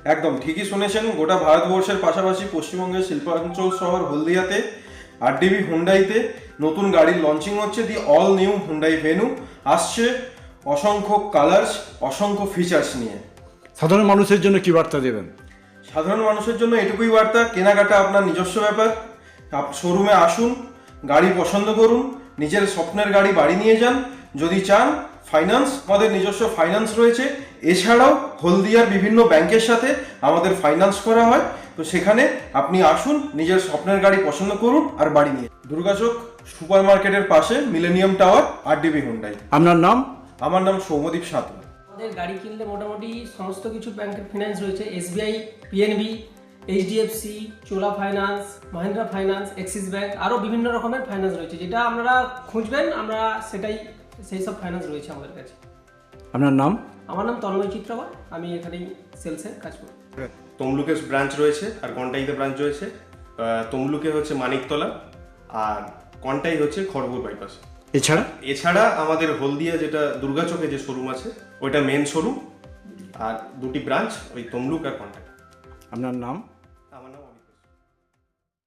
একদম ঠিকই শুনেছেন। গোটা ভারতবর্ষের পাশাপাশি পশ্চিমবঙ্গের শিল্পাঞ্চল শহর হলদিয়াতে আরডিবি হুন্ডাইতে নতুন গাড়ির লঞ্চিং হচ্ছে। The all new Hyundai Venue আসছে অসংখ্য কালার্স, অসংখ্য ফিচার্স নিয়ে। সাধারণ মানুষের জন্য কি বার্তা দেবেন? সাধারণ মানুষের জন্য এটুকুই বার্তা, কেনাকাটা আপনার নিজস্ব ব্যাপার। শোরুমে আসুন, গাড়ি পছন্দ করুন, নিজের স্বপ্নের গাড়ি বাড়ি নিয়ে যান। যদি চান ফাইন্যান্স, আমাদের নিজস্ব ফাইন্যান্স রয়েছে। এছাড়াও হলদিয়ার বিভিন্ন ব্যাংকের সাথে আমাদের ফাইন্যান্স করা হয়। তো সেখানে আপনি আসুন, নিজের স্বপ্নের গাড়ি পছন্দ করুন আর বাড়ি নিয়ে। দুর্গাচক সুপার মার্কেটের পাশে মিলেনিয়াম টাওয়ার, আরডিবি হুন্ডাই। আপনার নাম? আমার নাম সৌম্যদীপ সাঁতরা। আমাদের গাড়ি কিনলে মোটামুটি সমস্ত কিছু ব্যাংকের ফিনান্স রয়েছে। SBI, PNB, HDFC, Chola finance, Mahindra finance, Axis bank, আরও বিভিন্ন রকমের ফাইন্যান্স রয়েছে। যেটা আপনারা খুঁজবেন আমরা সেই সব ফাইন্যান্স রয়েছে আমাদের কাছে। আপনার নাম? আমার নাম তন্ময় চিত্রকর, আমি এখানেই সেলসের কাজ করি। তমলুকে ব্রাঞ্চ রয়েছে আর কন্টাইতে ব্রাঞ্চ রয়েছে। তমলুকে হচ্ছে মানিকতলা আর কন্টাই হচ্ছে খড়গপুর বাইপাস। এছাড়া আমাদের হলদিয়া যেটা দুর্গাচকে যে শোরুম আছে ওইটা মেন শোরুম, আর দুটি ব্রাঞ্চ ওই তমলুক আর কন্টাই। আপনার নাম?